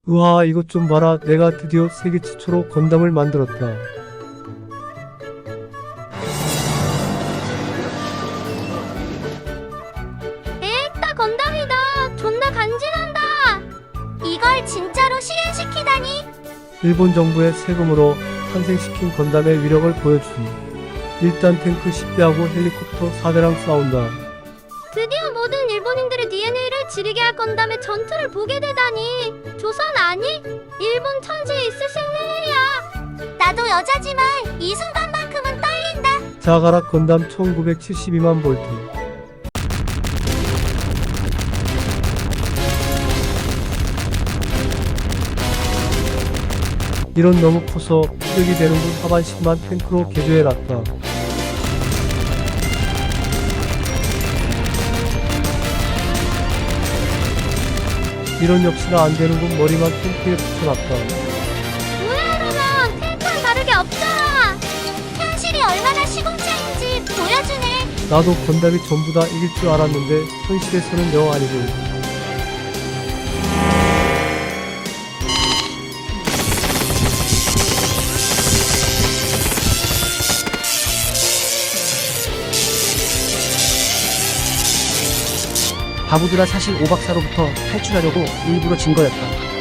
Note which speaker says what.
Speaker 1: 우와, 이것 좀 봐라. 내가 드디어 세계 최초로 건담을 만들었다.
Speaker 2: 에따 건담이다. 존나 간지난다. 이걸 진짜로 실현시키다니.
Speaker 1: 일본 정부의 세금으로 탄생시킨 건담의 위력을 보여주니 일단 탱크 10대하고 헬리콥터 4대랑 싸운다.
Speaker 2: 드디어 모든 일본인들의 DNA를 지르게 할 건담의 전투를 보게 되다니. 조선 아니? 일본 천지에 있을 생일이야. 나도 여자지만 이 순간만큼은 떨린다.
Speaker 1: 자가라 건담 1972만 볼트. 이런 너무 커서 피력이 되는군. 하반씩만 탱크로 개조해놨다. 이런 역시나 안되는군. 머리만 탱크에 붙여놨다.
Speaker 2: 뭐야 그러면 탱크랑 다르게 없잖아. 현실이 얼마나 시공차인지 보여주네.
Speaker 1: 나도 건담이 전부 다 이길 줄 알았는데 현실에서는 영 아니고.
Speaker 3: 바보들아, 사실 오박사로부터 탈출하려고 일부러 진 거였다.